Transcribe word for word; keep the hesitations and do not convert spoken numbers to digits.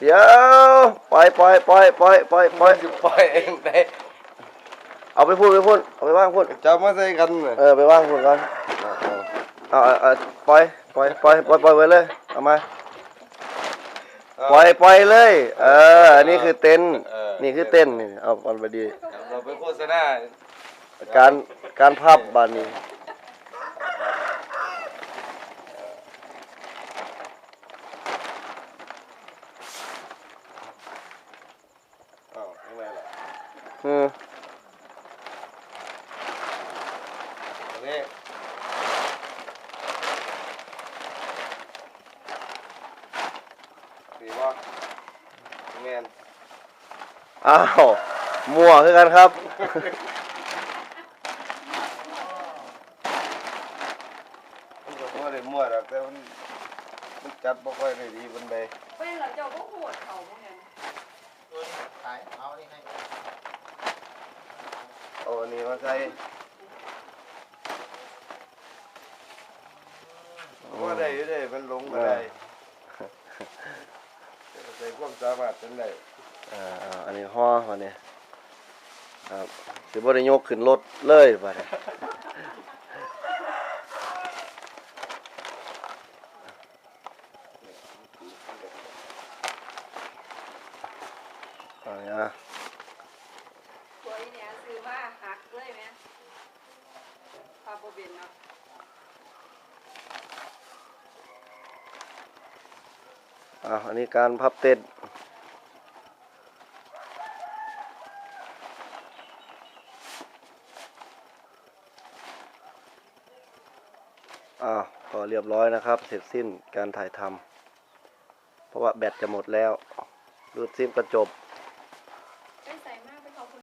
เดี๋ยวปล่อยปล่อยปล่อยปล่อยปล่อยปล่อยจะปล่อยเองได้เอาไปพูดไปพูดเอาไปว่างพูดจะมาใส่กันเลยเออไปว่างพูดก่อนเอาเอาเอาปล่อยปล่อยปล่อยปล่อยปล่อยไปเลยเอามาปล่อยปล่อยเลยเอออันนี้คือเต้นนี่คือเต้นนี่เอาเอาไปดีเราไปโฆษณาการการภาพบานนี้อ้าวข้างในล่ะอืมอันนี้สีว่าแมนอ้าวมั่วคือกันครับมันก็บ่ได้มั่วหรอกแต่มันมันจัดบ่ค่อยได้ดีปานใดเป็นเหรอเจ้าก็โหดเขาเหมือนกันขายเอานี่ให้เอาอันนี้มาใส่ว่าได้อยู่เด้มันลงบ่ได้ใส่ความสามารถเป็นได้อ่าอ่าอันนี้ห่อวันนี้ครับสิบ่ได้ยกขึ้นรถเลยบัดนี้เอาเนี่ยตัวนี้เนี่ยซื้อมาหักเลยไหมพาโบเบนเนาะอ่าอันนี้การพับเต้นอ่าก็เรียบร้อยนะครับ เสร็จสิ้นการถ่ายทำเพราะว่าแบตจะหมดแล้วรูดซิปก็จบ